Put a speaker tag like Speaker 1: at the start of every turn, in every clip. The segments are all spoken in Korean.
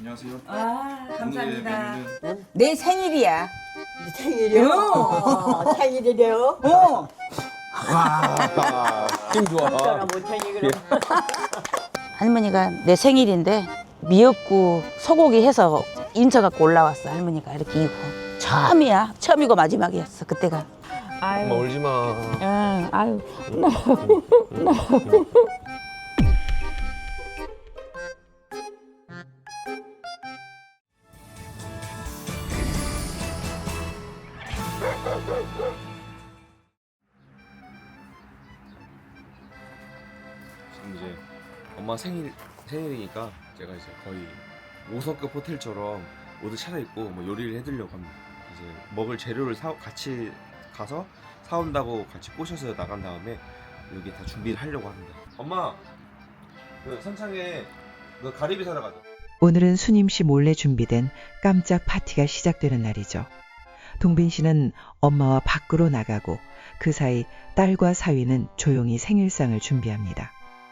Speaker 1: 안녕하세요.
Speaker 2: 아, 감사합니다.
Speaker 1: 오늘의 메뉴는
Speaker 2: 내 생일이야.
Speaker 3: 생일이요? 생일이래요?
Speaker 2: 어.
Speaker 4: 힘 좋아.
Speaker 3: 못하니 그럼.
Speaker 2: 할머니가 내 생일인데 미역국 소고기 해서 인천 갖고 올라왔어. 할머니가 이렇게 이고 처음이야. 처음이고 마지막이었어. 그때가.
Speaker 4: 엄마 울지 마.
Speaker 2: 응, 아유.
Speaker 4: 지금 이제 엄마 생일이니까 제가 이제 거의 5성급 호텔처럼 모두 차려입고 뭐 요리를 해드리려고 합니다. 이제 먹을 재료를 같이 가서 사온다고 같이 꼬셔서 나간 다음에 여기 다 준비를 하려고 합니다. 엄마, 그 선창에 그 가리비 사러 가자.
Speaker 5: 오늘은 수님 씨 몰래 준비된 깜짝 파티가 시작되는 날이죠. 동빈 씨는 엄마와 밖으로 나가고 그 사이 딸과 사위는 조용히 생일상을 준비합니다.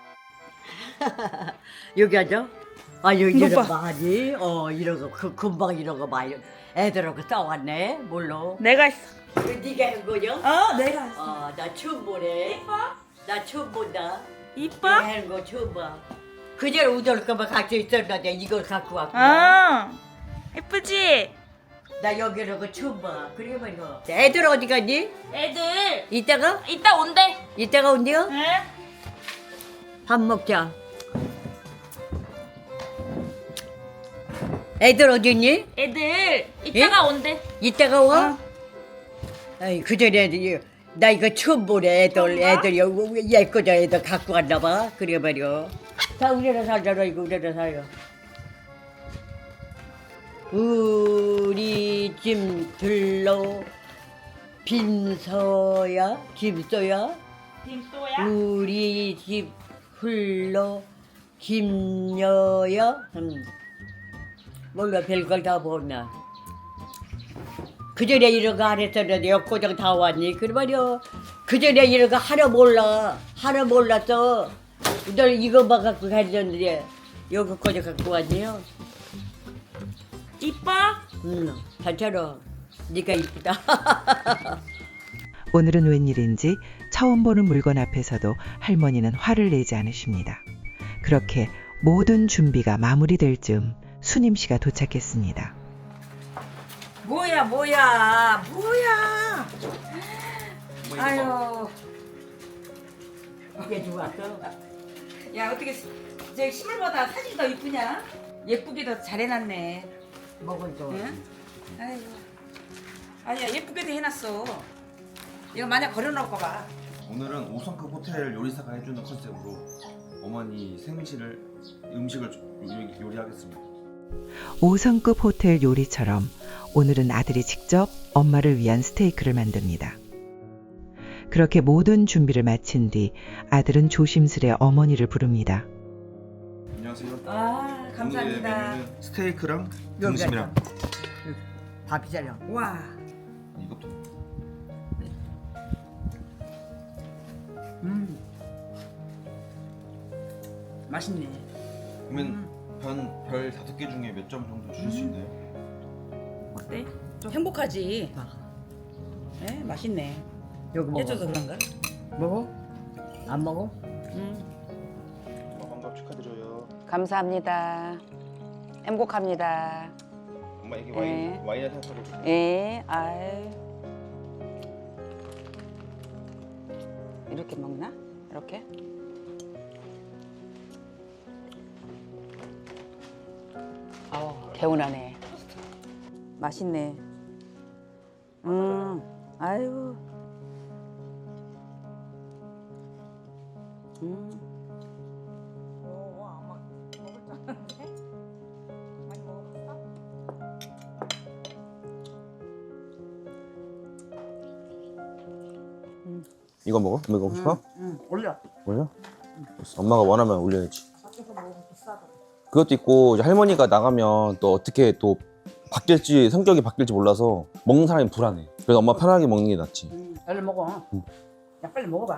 Speaker 3: 여기 앉아? 아 여기 이런 많이 이러고 금방 이러고 많이 애들하고 싸웠네 몰라.
Speaker 2: 내가 했어.
Speaker 3: 네가 한 거냐?
Speaker 2: 내가 했어.
Speaker 3: 나 처음 보네. 나 처음 본다.
Speaker 2: 이뻐?
Speaker 3: 내가 하는 거 처음 봐. 그전에 우덜 거만 갖고 있었는데 이걸 갖고 왔고.
Speaker 2: 예쁘지?
Speaker 3: 나 여기는 거 처음 봐. 그래 말이야. 애들 어디 갔니?
Speaker 6: 애들
Speaker 3: 이따가?
Speaker 6: 이따 온대.
Speaker 3: 이따가 온대요?
Speaker 6: 응?
Speaker 3: 밥 먹자. 애들 어디 있니?
Speaker 6: 애들 이따가 온대.
Speaker 3: 이따가 와? 아이 그전에 나 이거 처음 보네. 애들 여기 예거자 애들 갖고 왔나 봐. 그래 말이야. 다 우리나 살잖아. 이거 우리나 살요. 우리 집 들러 빈서야 김서야
Speaker 6: 김또야?
Speaker 3: 우리 집 흘러 김여야 몰라 별걸 다 보나. 그전에 이런 거 안 했었는데 역고장 다 왔니? 그래 말이야. 그전에 이런 거 하나 몰랐어. 너 이거만 갖고 가졌는데 여기 고장 갖고 왔니요?
Speaker 6: 이뻐?
Speaker 3: 괜찮아. 네가 이쁘다.
Speaker 5: 오늘은 웬일인지 처음 보는 물건 앞에서도 할머니는 화를 내지 않으십니다. 그렇게 모든 준비가 마무리될 즈음 수님 씨가 도착했습니다.
Speaker 2: 뭐야. 아유.
Speaker 3: 이게 좋았어.
Speaker 2: 야, 어떻게 저 실물보다 사진이 더 이쁘냐? 예쁘게도 잘 해놨네.
Speaker 3: 먹은 거.
Speaker 2: 응? 아이고. 아니야, 예쁘게도 해놨어. 이거 만약 걸어놓을까 봐.
Speaker 4: 오늘은 5성급 호텔 요리사가 해주는 컨셉으로 어머니 생신을 음식을 요리하겠습니다.
Speaker 5: 5성급 호텔 요리처럼 오늘은 아들이 직접 엄마를 위한 스테이크를 만듭니다. 그렇게 모든 준비를 마친 뒤 아들은 조심스레 어머니를 부릅니다.
Speaker 4: 안녕하세요.
Speaker 2: 아, 감사합니다.
Speaker 4: 오늘의 메뉴는 스테이크랑 등심이랑
Speaker 3: 밥이잖아.
Speaker 2: 와.
Speaker 4: 이것도
Speaker 2: 맛있네.
Speaker 4: 그러면 별 5개 중에 몇 점 정도 주실 수 있나요?
Speaker 2: 어때? 좀 행복하지? 네, 맛있네.
Speaker 3: 여기 먹어.
Speaker 2: 해줘서 그런가?
Speaker 3: 먹어? 안 먹어?
Speaker 4: 엄마 환갑 축하드려요.
Speaker 2: 감사합니다. 행복합니다.
Speaker 4: 엄마 이게
Speaker 2: 네.
Speaker 4: 와인에 타서
Speaker 2: 예, 아유. 이렇게 먹나? 이렇게? 개운하네. 맛있네. 아유.
Speaker 4: 이거 먹어? 이거 먹고 싶어?
Speaker 2: 올려.
Speaker 4: 올려? 엄마가 원하면 올려야지. 그것도 있고 이제 할머니가 나가면 또 어떻게 또 바뀔지 성격이 바뀔지 몰라서 먹는 사람이 불안해. 그래서 엄마 편하게 먹는 게 낫지.
Speaker 2: 얼른 먹어. 야, 빨리 먹어봐.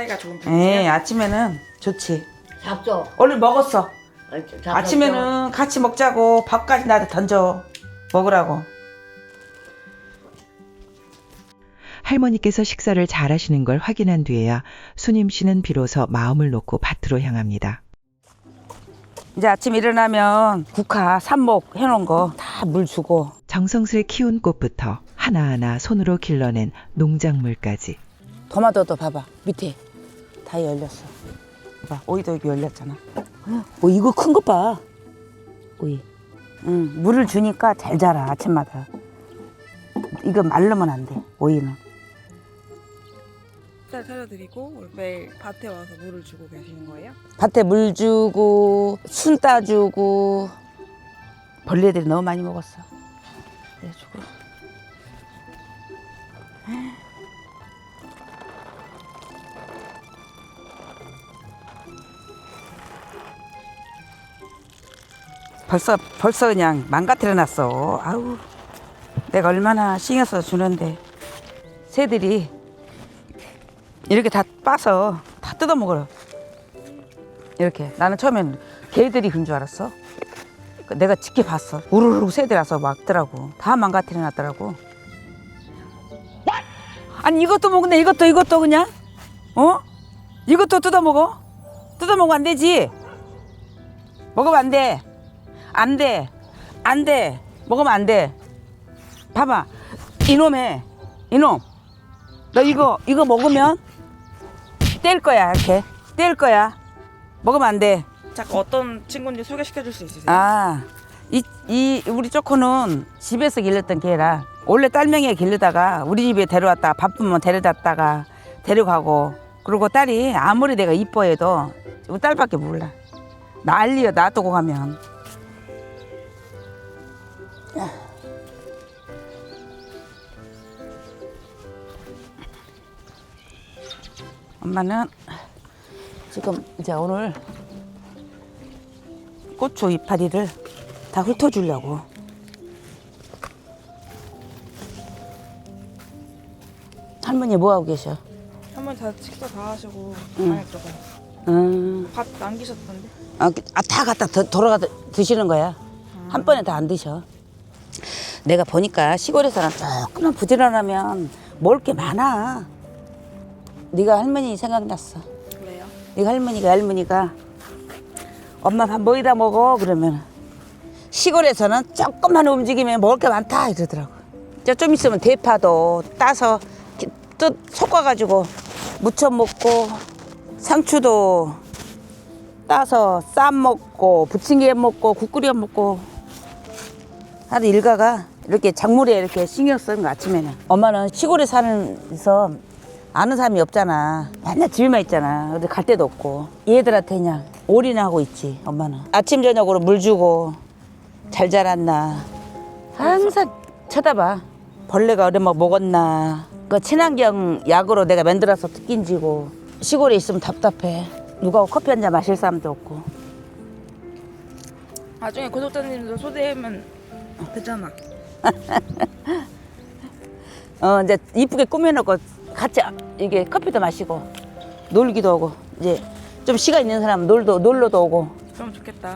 Speaker 7: 사이가 좋은 편이세요?
Speaker 2: 예, 아침에는 좋지.
Speaker 3: 잡숴.
Speaker 2: 오늘 먹었어.
Speaker 3: 잡숴.
Speaker 2: 아침에는 같이 먹자고 밥까지 나한테 던져 먹으라고.
Speaker 5: 할머니께서 식사를 잘하시는 걸 확인한 뒤에야 순임 씨는 비로소 마음을 놓고 밭으로 향합니다.
Speaker 2: 이제 아침 일어나면 국화, 삽목 해놓은 거 다 물 주고.
Speaker 5: 정성스레 키운 꽃부터 하나하나 손으로 길러낸 농작물까지
Speaker 2: 토마토도 봐봐 밑에 다 열렸어. 봐 오이도 여기 열렸잖아. 이거 큰 것 봐. 오이. 물을 주니까 잘 자라 아침마다. 이거 말르면 안 돼. 오이는.
Speaker 7: 식사 차려드리고 매일 밭에 와서 물을 주고 계시는 거예요?
Speaker 2: 밭에 물 주고 순 따주고 벌레들이 너무 많이 먹었어. 그래가지고. 벌써 그냥 망가뜨려 놨어. 아우, 내가 얼마나 신경 써서 주는데 새들이 이렇게 다 빠서 다 뜯어 먹어요. 이렇게 나는 처음엔 개들이 그런 줄 알았어. 내가 지켜봤어. 우르르 새들어서 막더라고. 다 망가뜨려놨더라고. 아니 이것도 먹네. 이것도 그냥 이것도 뜯어먹어? 뜯어먹으면 안 되지. 먹으면 안 돼. 안 돼. 먹으면 안 돼. 봐봐. 이놈 너 이거 먹으면 뗄 거야. 이렇게 뗄 거야. 먹으면 안 돼.
Speaker 7: 잠깐 어떤 친구인지 소개시켜 줄 수 있으세요?
Speaker 2: 아, 이 우리 쪼코는 집에서 길렀던 개라. 원래 딸명이에 길르다가 우리 집에 데려왔다가 바쁘면 데려다가 데려가고. 그리고 딸이 아무리 내가 이뻐해도 우리 딸밖에 몰라. 난리야 놔두고 가면. 엄마는 지금 이제 오늘 고추 이파리를 다 훑어주려고. 할머니 뭐하고 계셔?
Speaker 7: 한번 다 식사 다 하시고
Speaker 2: 응.
Speaker 7: 안에 들어가요. 밥 남기셨던데?
Speaker 2: 다 갖다 돌아가 드시는 거야. 한 번에 다 안 드셔. 내가 보니까 시골에서는 조금만 부지런하면 먹을 게 많아. 네가 할머니 생각났어.
Speaker 7: 왜요?
Speaker 2: 네가 할머니가 엄마 밥 뭐이다 먹어 그러면 시골에서는 조금만 움직이면 먹을 게 많다 이러더라고. 좀 있으면 대파도 따서 섞어가지고 무쳐 먹고 상추도 따서 쌈 먹고 부침개 먹고 국 끓여 먹고 하루 일가가 이렇게 작물에 이렇게 신경 쓰는 거 아침에는. 엄마는 시골에 사는서 아는 사람이 없잖아. 맨날 집에만 있잖아. 어디 갈 데도 없고. 얘들한테 그냥 올인하고 있지 엄마는. 아침 저녁으로 물 주고 잘 자랐나 항상 쳐다봐. 벌레가 어려면 먹었나. 그 친환경 약으로 내가 만들어서 끼인지고. 시골에 있으면 답답해. 누가 커피 한 잔 마실 사람도 없고.
Speaker 7: 나중에 구독자님들 초대하면 되잖아.
Speaker 2: 이제 이쁘게 꾸며놓고 같이 이게 커피도 마시고 놀기도 하고. 이제 좀 시간 있는 사람은 놀러도 오고.
Speaker 7: 그럼 좋겠다.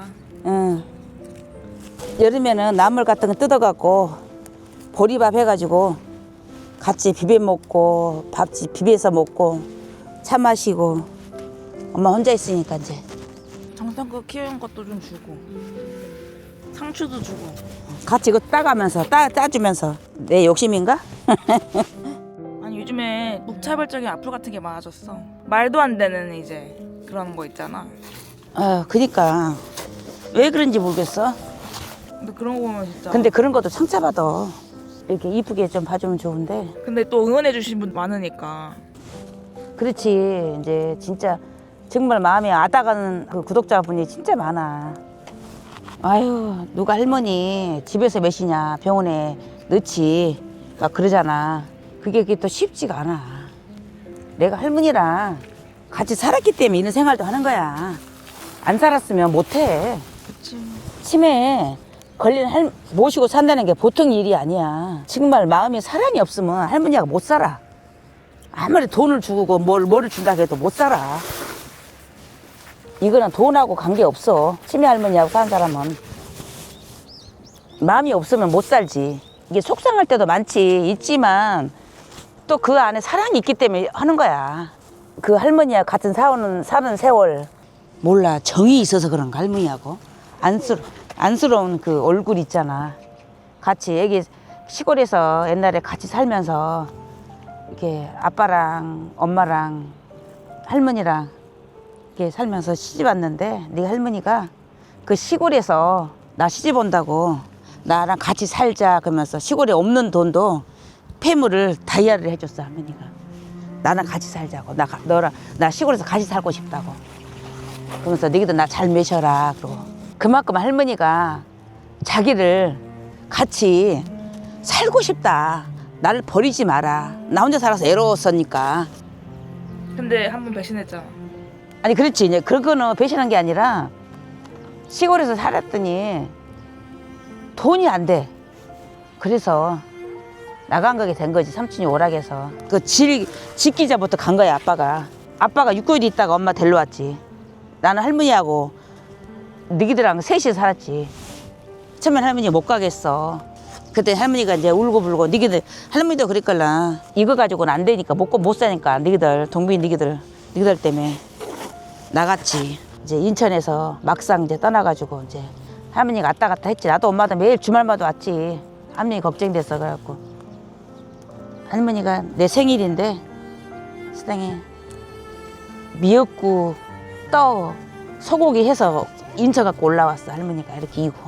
Speaker 2: 여름에는 나물 같은 거 뜯어갖고 보리밥 해가지고 같이 비벼 먹고 밥집 비벼서 먹고 차 마시고. 엄마 혼자 있으니까 이제
Speaker 7: 정성껏 키우는 것도 좀 주고 상추도 주고.
Speaker 2: 같이 이거 따가면서 따주면서. 내 욕심인가?
Speaker 7: 아니 요즘에 무차별적인 악플 같은 게 많아졌어. 말도 안 되는 이제 그런 거 있잖아.
Speaker 2: 그니까 왜 그런지 모르겠어.
Speaker 7: 근데 그런 거 보면 진짜.
Speaker 2: 근데 그런 것도 상처받아. 이렇게 이쁘게 좀 봐주면 좋은데.
Speaker 7: 근데 또 응원해 주신 분 많으니까.
Speaker 2: 그렇지. 이제 진짜 정말 마음에 아다가는 그 구독자분이 진짜 많아. 아유, 누가 할머니 집에서 몇이냐 병원에 넣지 막 그러잖아. 그게 또 쉽지가 않아. 내가 할머니랑 같이 살았기 때문에 이런 생활도 하는 거야. 안 살았으면 못해.
Speaker 7: 그치.
Speaker 2: 치매에 걸린 모시고 산다는 게 보통 일이 아니야. 정말 마음에 사랑이 없으면 할머니가 못 살아. 아무리 돈을 주고 뭐를 준다 해도 못 살아. 이거는 돈하고 관계없어. 치매 할머니하고 사는 사람은. 마음이 없으면 못 살지. 이게 속상할 때도 많지. 있지만 또 그 안에 사랑이 있기 때문에 하는 거야. 그 할머니하고 같은 사는 세월. 몰라. 정이 있어서 그런가 할머니하고. 안쓰러운 그 얼굴 있잖아. 같이 애기 시골에서 옛날에 같이 살면서 이렇게 아빠랑 엄마랑 할머니랑 이렇게 살면서 시집 왔는데 네 할머니가 그 시골에서 나 시집 온다고 나랑 같이 살자 그러면서 시골에 없는 돈도 폐물을 다이아를 해줬어 할머니가. 나랑 같이 살자고. 너랑 나 시골에서 같이 살고 싶다고. 그러면서 너희도 나 잘 모셔라. 그러고 그만큼 할머니가 자기를 같이 살고 싶다. 나를 버리지 마라. 나 혼자 살아서 애로웠으니까.
Speaker 7: 근데 한 번 배신했잖아.
Speaker 2: 아니 그렇지. 이제 그거는 배신한 게 아니라 시골에서 살았더니 돈이 안 돼. 그래서 나간 거게 된 거지. 삼촌이 오락해서. 그 집기자부터 간 거야 아빠가. 아빠가 6개월 있다가 엄마 데리러 왔지. 나는 할머니하고 너희들랑 셋이 살았지. 처음엔 할머니가 못 가겠어. 그때 할머니가 이제 울고불고 니기들 할머니도 그랬걸라. 이거 가지고는 안 되니까 못 사니까 니기들 동빈 니기들 때문에 나갔지. 이제 인천에서 막상 이제 떠나가지고 이제 할머니가 왔다 갔다 했지. 나도 엄마도 매일 주말마다 왔지. 할머니 걱정돼서 그래갖고 할머니가 내 생일인데 세상에 미역국 떡 소고기 해서 인천 갖고 올라왔어. 할머니가 이렇게 이고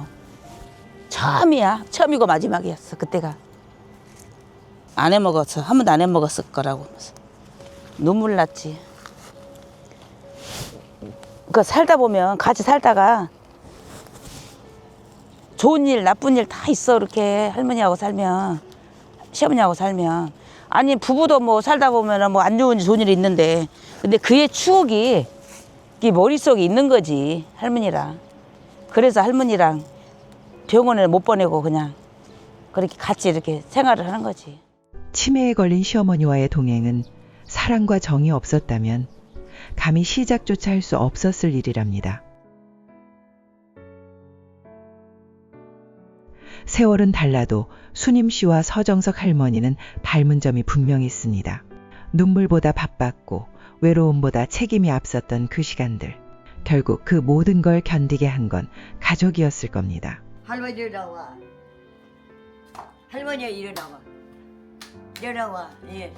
Speaker 2: 처음이고 마지막이었어. 그때가 안 해먹었어. 한 번도 안 해먹었을 거라고 눈물 났지. 그 살다 보면 같이 살다가 좋은 일 나쁜 일 다 있어. 이렇게 할머니하고 살면 시어머니하고 살면 아니 부부도 뭐 살다 보면 뭐 안 좋은 일 좋은 일이 있는데 근데 그의 추억이 이 머릿속에 있는 거지. 할머니랑. 그래서 할머니랑 병원에 못 보내고 그냥 그렇게 같이 이렇게 생활을 하는 거지.
Speaker 5: 치매에 걸린 시어머니와의 동행은 사랑과 정이 없었다면 감히 시작조차 할 수 없었을 일이랍니다. 세월은 달라도 수님 씨와 서정석 할머니는 닮은 점이 분명히 있습니다. 눈물보다 바빴고 외로움보다 책임이 앞섰던 그 시간들. 결국 그 모든 걸 견디게 한 건 가족이었을 겁니다.
Speaker 3: 할머니 일어나와. 할머니 일어나와. 일어나와. 예.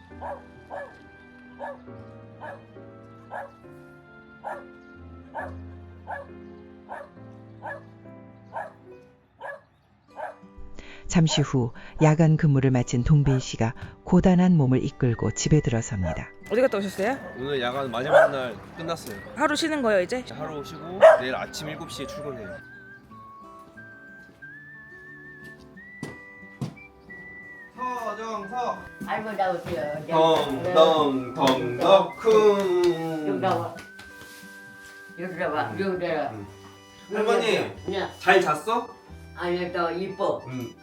Speaker 5: 잠시 후 야간 근무를 마친 동빈 씨가 고단한 몸을 이끌고 집에 들어섭니다.
Speaker 7: 어디 갔다 오셨어요?
Speaker 4: 오늘 야간 마지막 날 끝났어요.
Speaker 7: 하루 쉬는 거예요 이제?
Speaker 4: 하루 쉬고 내일 아침 7시에 출근해요. 서정석
Speaker 3: 할머니 나오세요.
Speaker 4: 덩덩덩덩쿵.
Speaker 3: 여기 나와. 여기 나와. 여기 나와.
Speaker 4: 할머니
Speaker 3: 야,
Speaker 4: 잘 잤어?
Speaker 3: 아니 너 이뻐.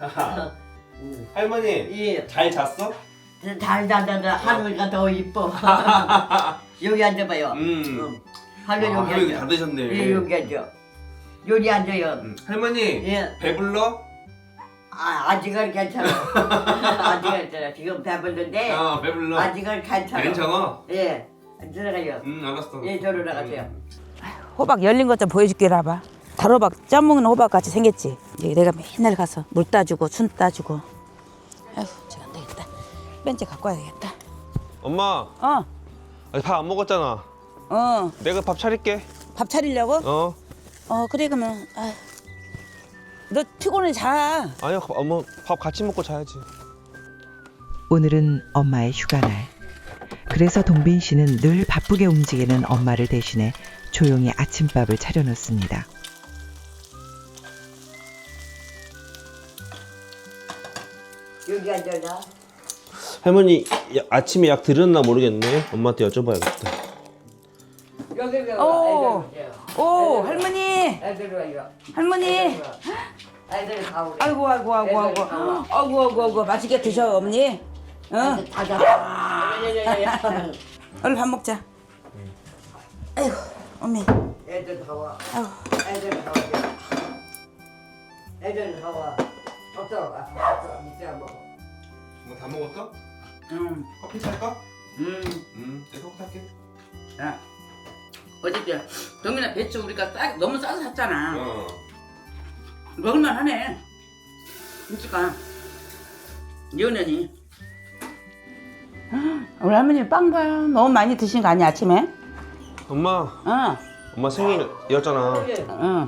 Speaker 4: 할머니
Speaker 3: 예.
Speaker 4: 잘 잤어?
Speaker 3: 잘 자다다 할머니가 더 이뻐. 여기 앉아봐요. 할머니 여기
Speaker 4: 할머니
Speaker 3: 앉아.
Speaker 4: 다 드셨네.
Speaker 3: 예, 여기 앉아. 여기 앉아요.
Speaker 4: 할머니
Speaker 3: 예.
Speaker 4: 배불러?
Speaker 3: 아직은 괜찮아. 아직은 괜찮아. 지금 배불른데
Speaker 4: 배불러.
Speaker 3: 아직은 괜찮아.
Speaker 4: 괜찮아?
Speaker 3: 예. 들어가요.
Speaker 4: 알았어.
Speaker 3: 예, 저로 나가세요.
Speaker 2: 호박 열린 것 좀 보여줄게. 라봐. 달호박 쪄먹는 호박 같이 생겼지. 이제 내가 맨날 가서 물 따주고 순 따주고. 아휴 제가 안 되겠다. 벤치 갖고 와야 되겠다.
Speaker 1: 엄마, 밥 안 먹었잖아. 내가 밥 차릴게.
Speaker 2: 밥 차리려고? 그래 그러면 너 피곤해 자.
Speaker 1: 아니야, 엄마 밥 같이 먹고 자야지.
Speaker 5: 오늘은 엄마의 휴가날. 그래서 동빈 씨는 늘 바쁘게 움직이는 엄마를 대신해 조용히 아침밥을 차려놓습니다.
Speaker 3: 여기 앉아라.
Speaker 1: 할머니 아침에 약 드렸나 모르겠네. 엄마한테 여쭤봐야겠다.
Speaker 3: 여기
Speaker 2: 오. 오 할머니.
Speaker 3: 애들 와요.
Speaker 2: 할머니.
Speaker 3: 애들 가오래.
Speaker 2: 아이고 맛있게 드셔 어머니.
Speaker 3: 다 잡아.
Speaker 2: 얼른 밥 먹자. 아이고 어머니.
Speaker 3: 애들 다 와.
Speaker 2: 아이고.
Speaker 3: 애들 다 와. 애들 다 와. 없어. 이제 먹어.
Speaker 4: 뭐 다 먹었어?
Speaker 2: 응.
Speaker 4: 커피 살까? 내가 커피 살게.
Speaker 2: 야, 어저께 동민아 배추 우리가 너무 싸서 샀잖아. 먹을만 하네. 그러니까 연연이. 우리 할머니 빵 봐. 너무 많이 드신 거 아니야 아침에?
Speaker 1: 엄마, 엄마 생일이었잖아.
Speaker 2: 응.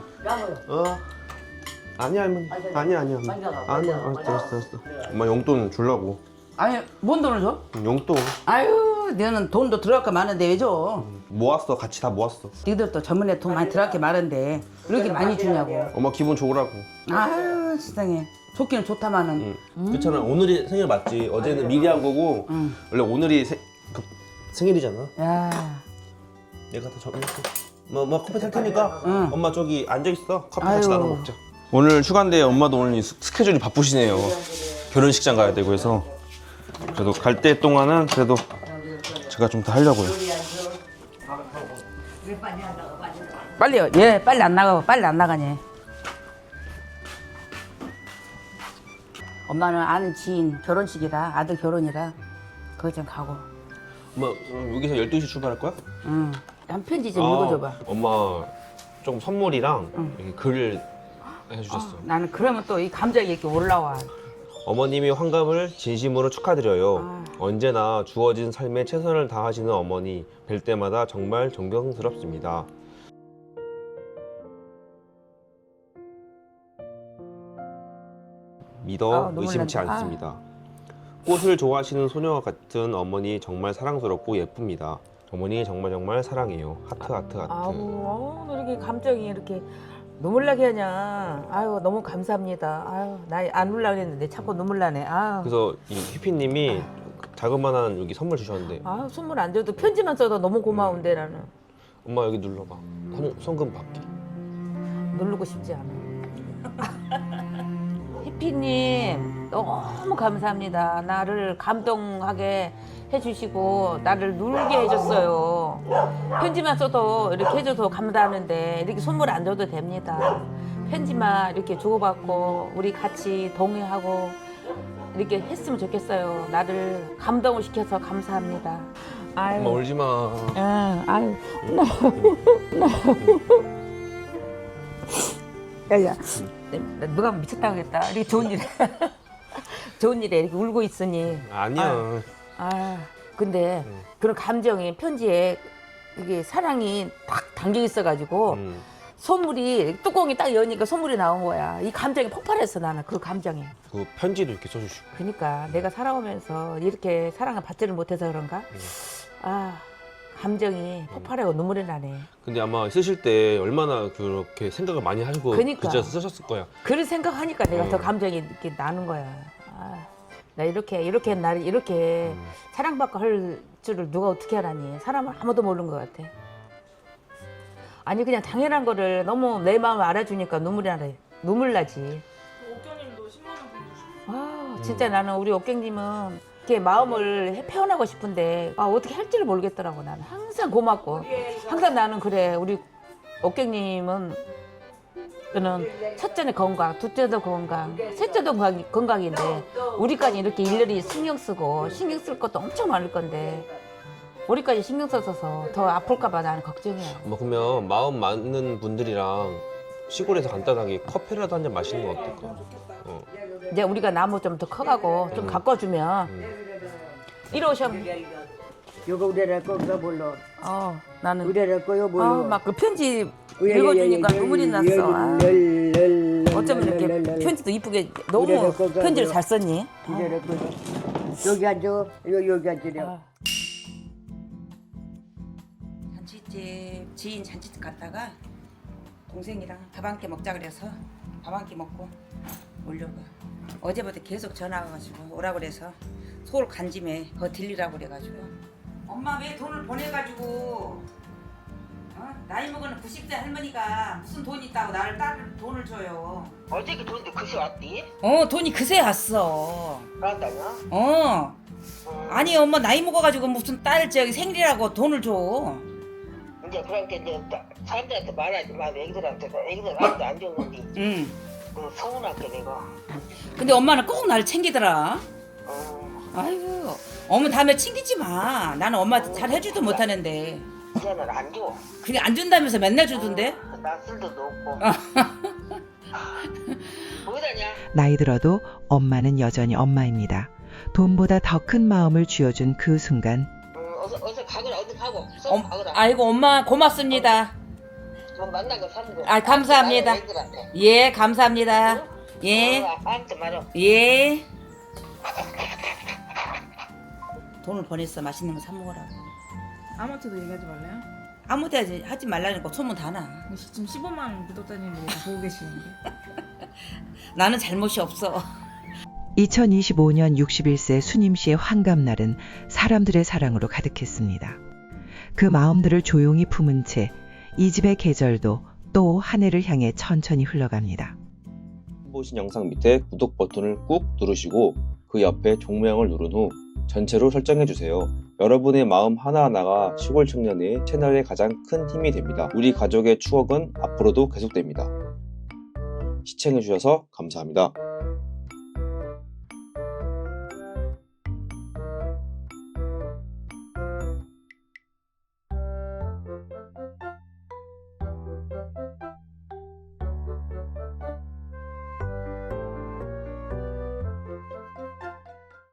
Speaker 1: 아니야 할머니. 아니야. 아니야. 알았어. 엄마 용돈 주려고.
Speaker 2: 아니 뭔 돈을 줘?
Speaker 1: 용돈
Speaker 2: 아유 너는 돈도 들어갈 거 많은데 왜 줘?
Speaker 1: 모았어. 같이 다 모았어.
Speaker 2: 니들도 전문에 돈 많이 들어갈 게 많은데 왜 이렇게 많이 주냐고.
Speaker 1: 엄마 기분 좋으라고.
Speaker 2: 아유 세상에 좋기는 좋다마는.
Speaker 1: 그렇잖아. 오늘이 생일 맞지. 어제는 미리 한 거고 원래 오늘이 생일이잖아.
Speaker 2: 야.
Speaker 1: 내가 다 정했어. 엄마 커피 탈 테니까
Speaker 2: 응.
Speaker 1: 엄마 저기 앉아 있어. 커피 같이
Speaker 2: 아유.
Speaker 1: 나눠 먹자. 오늘 휴가인데 엄마도 오늘 스케줄이 바쁘시네요. 결혼식장 가야 되고 해서 그래도 갈 때 동안은 그래도 제가 좀 더 하려고요.
Speaker 2: 빨리요. 얘 빨리 안 나가고 빨리 안 나가네. 엄마는 아는 지인 결혼식이라 아들 결혼이라 그거 좀 가고.
Speaker 1: 엄마 여기서 12시 출발할 거야?
Speaker 2: 응. 한 편지 좀 읽어줘봐.
Speaker 1: 엄마 좀 선물이랑 이렇게 글을 해주셨어.
Speaker 2: 나는 그러면 또 이 감정이 이렇게 올라와.
Speaker 1: 어머님이 환갑을 진심으로 축하드려요. 언제나 주어진 삶에 최선을 다하시는 어머니 뵐 때마다 정말 존경스럽습니다. 믿어
Speaker 2: 눈물
Speaker 1: 의심치
Speaker 2: 난다.
Speaker 1: 않습니다. 꽃을 좋아하시는 소녀와 같은 어머니 정말 사랑스럽고 예쁩니다. 어머니 정말 사랑해요. 하트 하트 하트.
Speaker 8: 아우, 너 이렇게 감정이 이렇게 눈물 나게 하냐. 아유, 너무 감사합니다. 아유, 나 안 울라 그랬는데 자꾸 눈물 나네. 아유.
Speaker 1: 그래서 이 해피님이 자그마한 여기 선물 주셨는데
Speaker 8: 아, 선물 안 줘도 편지만 써도 너무 고마운데 나는.
Speaker 1: 엄마 여기 눌러봐. 송금 받기.
Speaker 8: 누르고 싶지 않아. 해피님 너무 감사합니다. 나를 감동하게 해주시고 나를 놀게 해줬어요. 편지만 써도 이렇게 해줘서 감사하는데 이렇게 선물 안 줘도 됩니다. 편지만 이렇게 주고받고 우리 같이 동의하고 이렇게 했으면 좋겠어요. 나를 감동을 시켜서 감사합니다. 아유,
Speaker 1: 엄마 울지 마.
Speaker 8: 아유,
Speaker 2: 야야, 누가 미쳤다 그랬다. 이렇게 좋은 일에 좋은 일에 이렇게 울고 있으니.
Speaker 1: 아니야.
Speaker 2: 근데 그런 감정이 편지에 이게 사랑이 딱 담겨 있어가지고 선물이 뚜껑이 딱 여니까 선물이 나온 거야. 이 감정이 폭발했어 나는 그 감정이.
Speaker 1: 그 편지도 이렇게 써주시고.
Speaker 2: 그러니까 내가 살아오면서 이렇게 사랑을 받지를 못해서 그런가? 감정이 폭발하고 눈물이 나네.
Speaker 1: 근데 아마 쓰실 때 얼마나 그렇게 생각을 많이 하시고
Speaker 2: 그러니까.
Speaker 1: 글자 쓰셨을 거야.
Speaker 2: 그런 생각하니까 내가 더 감정이 이렇게 나는 거야. 나 이렇게 나를 이렇게 사랑받고 할 줄을 누가 어떻게 알았니? 사람은 아무도 모르는 것 같아. 아니 그냥 당연한 거를 너무 내 마음을 알아주니까 눈물 나지.
Speaker 6: 옥경님도 10만 원 보내주셨어.
Speaker 2: 진짜 나는 우리 옥경님은 이렇게 마음을 표현하고 싶은데 어떻게 할지를 모르겠더라고. 나는 항상 고맙고 항상 나는 그래. 우리 옥경님은 그는 첫째는 건강, 둘째도 건강, 셋째도 건강인데 우리까지 이렇게 일일이 신경 쓸 것도 엄청 많을 건데 우리까지 신경 써서 더 아플까 봐 나는 걱정이야.
Speaker 1: 뭐 그러면 마음 맞는 분들이랑 시골에서 간단하게 커피라도 한 잔 마시는 거 어떨까?
Speaker 2: 이제 우리가 나무 좀 더 커가고 좀 가꿔주면 이리 오셔.
Speaker 3: 요거 우리랄 거가 몰라.
Speaker 2: 나는
Speaker 3: 우리랄 거요 몰라.
Speaker 2: 막 그 편지 읽어주니까 눈물이 났어. 어쩌면 이렇게 편지도 이쁘게 너무 편지를 잘 썼니?
Speaker 3: 우리랄 거. 여기 앉아. 여기 앉으려.
Speaker 2: 잔치집 지인 잔치집 갔다가 동생이랑 밥 한 끼 먹자 그래서 밥 한 끼 먹고 오려고. 어제부터 계속 전화 와가지고 오라 그래서 서울 간 짐에 거 들리라고 그래가지고. 엄마 왜 돈을 보내가지고 나이 먹은 90세 할머니가 무슨 돈 있다고 나를 딸 돈을 줘요.
Speaker 9: 어제 그 돈도 그새 왔디?
Speaker 2: 돈이 그새 왔어.
Speaker 9: 그런다냐?
Speaker 2: 아니 엄마 나이 먹어가지고 무슨 딸 저기 생일이라고 돈을 줘.
Speaker 9: 이제 그렇게 이제 사람들한테 말하지 마. 애기들한테 아무도 안 줬는데
Speaker 2: 응.
Speaker 9: 그 서운할게 내가.
Speaker 2: 근데 엄마는 꼭 나를 챙기더라. 아이고 어머 다음에 챙기지 마. 나는 엄마 잘 해주도 못하는데.
Speaker 9: 이제는 안 줘.
Speaker 2: 그게 안 준다면서 맨날 주던데.
Speaker 9: 나 쓸데도 없고. 뭐다냐?
Speaker 5: 나이 들어도 엄마는 여전히 엄마입니다. 돈보다 더 큰 마음을 쥐어준 그 순간
Speaker 9: 어서 가거라. 어디 가고. 썩 가거라.
Speaker 2: 아이고 엄마 고맙습니다.
Speaker 9: 좀 만난 거 사는 거.
Speaker 2: 감사합니다.
Speaker 9: 애들한테.
Speaker 2: 예 감사합니다. 예.
Speaker 9: 아무한테 말어.
Speaker 2: 예. 돈을 보냈어. 맛있는 거 사 먹으라고.
Speaker 7: 아무한테도 얘기하지 말래요?
Speaker 2: 아무데 하지 말라니까 소문 다 나.
Speaker 7: 지금 15만 구독자님들이 다 보고 계시는데.
Speaker 2: 나는 잘못이 없어.
Speaker 5: 2025년 61세 수님 씨의 환갑날은 사람들의 사랑으로 가득했습니다. 그 마음들을 조용히 품은 채 이 집의 계절도 또 한 해를 향해 천천히 흘러갑니다.
Speaker 1: 보신 영상 밑에 구독 버튼을 꾹 누르시고 그 옆에 종모양을 누른 후 전체로 설정해주세요. 여러분의 마음 하나하나가 시골 청년의 채널의 가장 큰 힘이 됩니다. 우리 가족의 추억은 앞으로도 계속됩니다. 시청해주셔서 감사합니다.